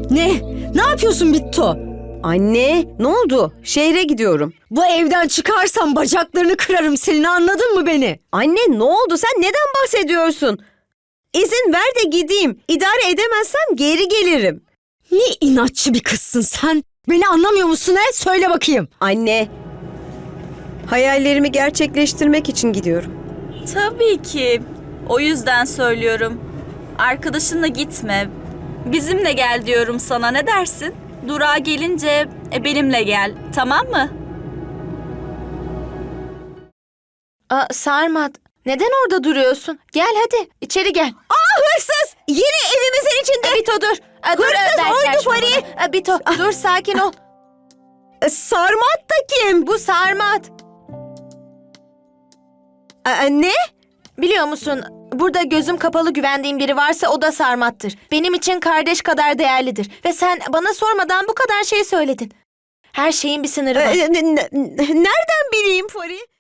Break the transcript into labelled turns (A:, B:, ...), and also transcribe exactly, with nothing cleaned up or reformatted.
A: Ne? Ne yapıyorsun Bitto?
B: Anne, ne oldu? Şehre gidiyorum.
A: Bu evden çıkarsam bacaklarını kırarım senin, anladın mı beni?
B: Anne, ne oldu? Sen neden bahsediyorsun? İzin ver de gideyim. İdare edemezsem geri gelirim.
A: Ne inatçı bir kızsın sen. Beni anlamıyor musun he? Söyle bakayım.
B: Anne, hayallerimi gerçekleştirmek için gidiyorum.
C: Tabii ki. O yüzden söylüyorum. Arkadaşınla gitme. Bizimle gel diyorum sana. Ne dersin? Durağa gelince e, benimle gel. Tamam mı?
D: Aa, Sarmat, neden orada duruyorsun? Gel hadi, içeri gel.
B: Aa, hırsız! Yine evimizin içinde.
D: Bito dur. Aa, dur,
B: Hırsız
D: Önder, gel
B: oydu
D: şunu
B: Pari.
D: bana. Aa, Bito dur, sakin ol.
B: E, Sarmat da kim?
D: Bu Sarmat.
B: Aa, ne?
D: Biliyor musun, burada gözüm kapalı güvendiğim biri varsa o da Sarmat'tır. Benim için kardeş kadar değerlidir. Ve sen bana sormadan bu kadar şey söyledin. Her şeyin bir sınırı var.
B: E, ne- ne- nereden bileyim Pari?